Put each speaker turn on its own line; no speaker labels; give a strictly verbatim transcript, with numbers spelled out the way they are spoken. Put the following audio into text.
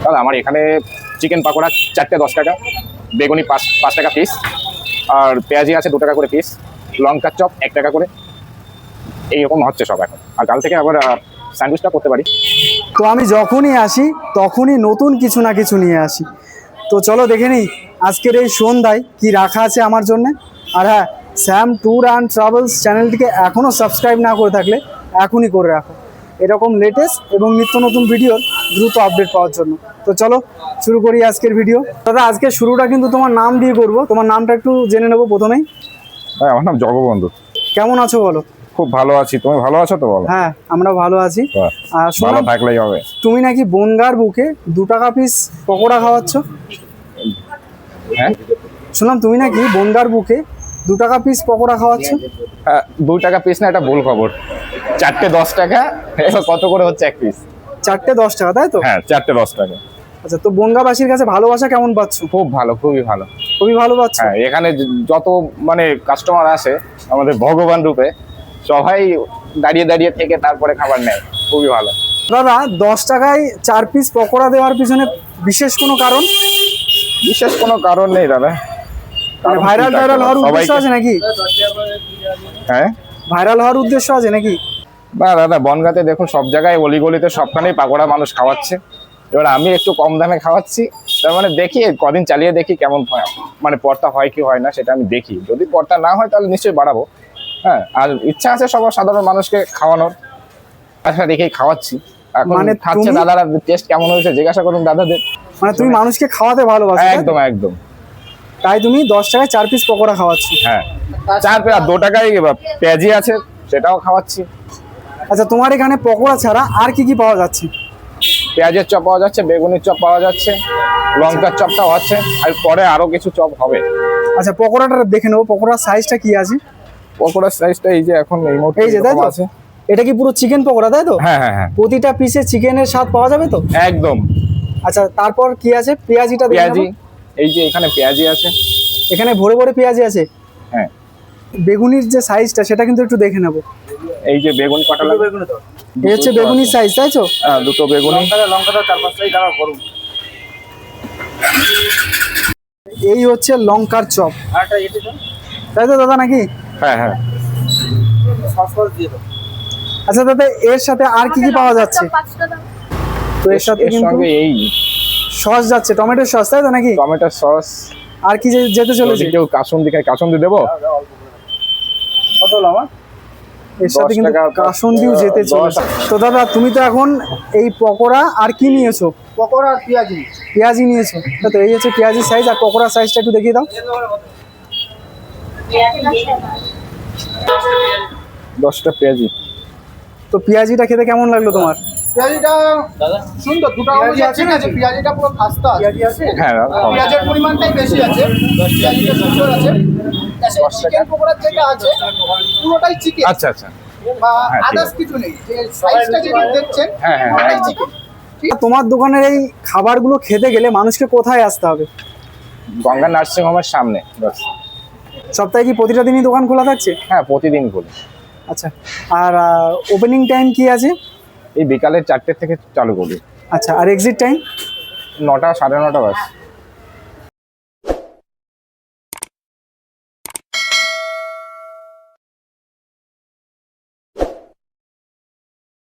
দাদা আমার এখানে চিকেন পাকোড়া চারটে দশ টাকা, বেগুনি পাঁচ পাঁচ টাকা পিস, আর পেঁয়াজি আছে দু টাকা করে পিস, লঙ্কার চপ এক টাকা করে, এইরকম হচ্ছে সব এখন। আর কাল থেকে আবার স্যান্ডউইচটা করতে পারি।
তো আমি যখনই আসি তখনই নতুন কিছু না কিছু নিয়ে আসি। তো চলো দেখে নিই আজকের এই সন্ধ্যায় কি রাখা আছে আমার জন্য। আর হ্যাঁ, শ্যাম ট্যুর অ্যান্ড ট্রাভেলস চ্যানেলটিকে এখনও সাবস্ক্রাইব না করে থাকলে এখনই করে রাখো, এরকম লেটেস্ট এবং নিত্য নতুন ভিডিওর দ্রুত আপডেট পাওয়ার জন্য। তো চলো শুরু করি আজকের ভিডিও। দাদা আজকে শুরুটা কিন্তু তোমার নাম দিয়ে করবো, তোমার নামটা একটু জেনে নেবো প্রথমেই।
হ্যাঁ, আমার নাম জগবন্ধু।
কেমন আছো বলো?
খুব ভালো আছি, তুমি ভালো আছো তো? বলো।
হ্যাঁ আমরা ভালো আছি। আর
ভালো
শুনলাম
থাকলেই হবে।
তুমি নাকি বনগাঁর বুকে দু টাকা পিস পকোড়া খাওয়াচ্ছ।
হ্যাঁ
শুনলাম তুমি নাকি বনগাঁর বুকে দু টাকা পিস পকোড়া খাওয়াচ্ছ।
হ্যাঁ, দু টাকা পিস না, এটা ভুল খবর। চারটে দশ টাকা, এবার কত করে হচ্ছে এক পিস?
চারটে দশ টাকা তাই তো?
হ্যাঁ, চারটে দশ টাকা।
আচ্ছা, তো বনগাঁবাসীর কাছে ভালোবাসা কেমন পাচ্ছ?
খুব ভালো, খুবই ভালো।
খুবই ভালো পাচ্ছ?
হ্যাঁ, এখানে যত মানে কাস্টমার আসে আমাদের ভগবান রূপে, সবাই দাঁড়িয়ে দাঁড়িয়ে থেকে তারপরে খাবার নেয়, খুবই ভালো।
দাদা দশ টাকায় চার পিস পকোড়া দেওয়ার পিছনে বিশেষ কোনো কারণ?
বিশেষ কোনো কারণ নেই দাদা।
মানে ভাইরাল টাইরাল হওয়ার উদ্দেশ্য আছে নাকি?
হ্যাঁ,
ভাইরাল হওয়ার উদ্দেশ্য আছে নাকি?
না দাদা, বনগাঁতে দেখুন সব জায়গায় অলিগলিতে সবখানেই পাকোড়া মানুষ খাওয়াচ্ছে। এবার আমি একটু কম দামে খাওয়াচ্ছি, তার মানে দেখি কদিন চালিয়ে দেখি কেমন হয়, মানে পর্তা হয় কি হয় না সেটা আমি দেখি। যদি পর্তা না হয় তাহলে নিশ্চয়ই বাড়াবো। হ্যাঁ, আর ইচ্ছা আছে সবার সাধারণ মানুষকে খাওয়ানোর, আচ্ছা দেখেই খাওয়াচ্ছি। এখন
মানে
খাচ্ছে
তুমি-
দাদারা, টেস্ট কেমন হয়েছে জিজ্ঞাসা করুন দাদাদের।
মানে তুমি মানুষকে খাওয়াতে ভালোবাসো তাই তো?
একদম একদম।
তাই তুমি দশ টাকায় চার পিস পকোড়া খাওয়াচ্ছ।
হ্যাঁ, চার পেঁয়াজ দু টাকায় পেঁয়াজি আছে, সেটাও খাওয়াচ্ছি।
আচ্ছা, তোমার এখানে পকোড়া ছাড়া আর কি কি পাওয়া যাচ্ছে?
পেঁয়াজের চপ পাওয়া যাচ্ছে, বেগুনের চপ পাওয়া যাচ্ছে, লঙ্কার চপটাও আছে, আর পরে আরো কিছু চপ হবে।
আচ্ছা, পকোড়াটা দেখে নেবো, পকোড়ার সাইজটা কি আছে?
পকোড়ার সাইজটা এই যে এখন এই মুহূর্তে
এই যে তাই
এরকম
তো?
আছে।
এটা কি পুরো চিকেন পকোড়া তাই তো?
হ্যাঁ হ্যাঁ হ্যাঁ,
প্রতিটা পিসে চিকেনের স্বাদ পাওয়া যাবে তো?
একদম।
আচ্ছা, তারপর কি আছে? পেঁয়াজিটা দেখে
পেঁয়াজি,
নেবো।
এই যে এখানে পেঁয়াজি আছে।
এখানে ভরে ভরে পেঁয়াজি আছে।
হ্যাঁ,
বেগুনির যে সাইজটা সেটা কিন্তু একটু দেখে নেবো।
এই যে বেগুন কটা লাগবে?
এই হচ্ছে বেগুনির সাইজ তাই তো?
হ্যাঁ, দুটো বেগুনি।
এই হচ্ছে লঙ্কার চপ তাই তো দাদা নাকি?
হ্যাঁ হ্যাঁ,
আচ্ছা দাদা, এর সাথে আর কি কি পাওয়া যাচ্ছে? তো এর সাথে
এর
কিন্তু
সঙ্গে এই
সস যাচ্ছে, টমেটো সস তাই তো নাকি?
Tomato sauce.
আর কি যে- যেতে চলেছে?
যদি কেউ কাসুন্দি খায়, কাসুন্দি দেবো।
এর সাথে
দশ
কিন্তু
টাকা,
কাসুন্দিও যেতে
দশ-
চলেছে। তো দাদা তুমি তো এখন এই পকোড়া আর কি নিয়েছো?
পকোড়া আর পেঁয়াজি।
পেঁয়াজি নিয়েছো তাই তো? এই হচ্ছে পেঁয়াজির সাইজ, আর পকোড়ার সাইজটা একটু দেখিয়ে দাও।
দশটা পেঁয়াজি।
তো পেঁয়াজিটা খেতে কেমন লাগলো তোমার?
পেঁয়াজিটা সুন্দর, দুটো পেঁয়াজি আছে না, যে পেঁয়াজিটা পুরো খাস্তা আছে।
হ্যাঁ দাদা, হবে।
পেঁয়াজের পরিমাণটাই বেশি আছে, পেঁয়াজিটা সুন্দর আছে। চিকেন পকোড়া যেটা আছে পুরোটাই চিকেন,
আচ্ছা আচ্ছা।
বা
হ্যাঁ, ঠিক
আদার্স
আছে।
কিছু নেই। যে সাইজটা যেটা দেখছেন
হ্যাঁ, হ্যাঁ,
ওটাই
একদম।
চিকেন।
তোমার দোকানের এই খাবারগুলো খেতে গেলে মানুষকে কোথায় আসতে হবে?
গঙ্গা নার্সিং হোমের সামনে। বাস।
সপ্তাহে কি প্রতিটা দিনই দোকান খোলা থাকছে?
হ্যাঁ, প্রতিদিন বলি।
আচ্ছা, আর ওপেনিং টাইম কি আছে?
এই বিকালে চারটে থেকে চালু করি।
আচ্ছা, আর এক্সিট টাইম?
নটা সাড়ে নটা বাস।